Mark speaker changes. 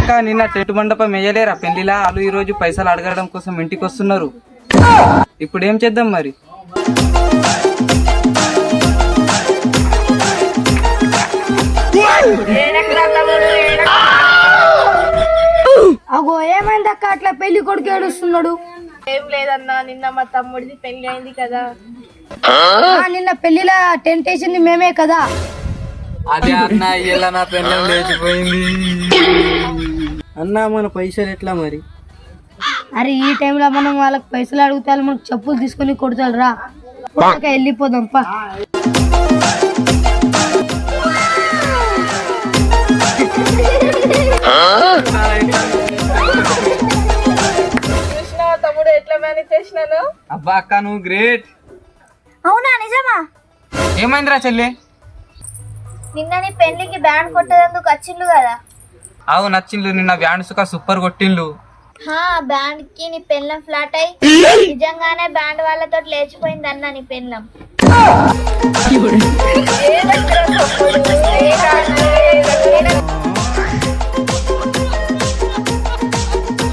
Speaker 1: అక్క నిన్న టెంట్ మండపం వేయలేరా పెళ్లిలా? వాళ్ళు ఈ రోజు పైసలు అడగడం కోసం ఇంటికి వస్తున్నారు. ఇప్పుడు ఏం చేద్దాం మరి?
Speaker 2: అగో ఏమైంది అక్క అట్లా పెళ్లి కొడుకు ఏడుస్తున్నాడు?
Speaker 3: ఏం లేదన్నా, నిన్న మా తమ్ముడిది పెళ్లి అయింది కదా.
Speaker 2: నిన్న పెళ్లిలా టెంట్ వేసింది మేమే కదా.
Speaker 1: అదే అన్న ఇలా నా పెళ్ళం లేచిపోయింది
Speaker 4: అన్నా మన పైసలు ఎట్లా మరి?
Speaker 2: అరే ఈ టైంలో మనం వాళ్ళకి పైసలు అడుగుతా మనకు చెప్పులు తీసుకొని కొడతారు రా. వెళ్ళిపోదాం పా.
Speaker 3: చూసినా తమ్ముడు ఎట్లా మేనేజ్ చేసినాను?
Speaker 1: అబ్బా అక్క నువ్వు గ్రేట్.
Speaker 3: అవునా నిజమా?
Speaker 1: ఏమైందిరా చెల్లి?
Speaker 3: నిన్న నీ పెళ్లికి బ్యాండ్ కొట్టేందుకు వచ్చిండు కదా.
Speaker 1: అవు నచ్చిండ్లు, నిన్న బ్యాండ్ సుఖ సూపర్ కొట్టిండ్లు.
Speaker 3: బ్యాండ్ కి నీ పెళ్ళం ఫ్లాట్ అయి నిజంగానే బ్యాండ్ వాళ్ళతో లేచిపోయింది అన్న నీ పెళ్ళం.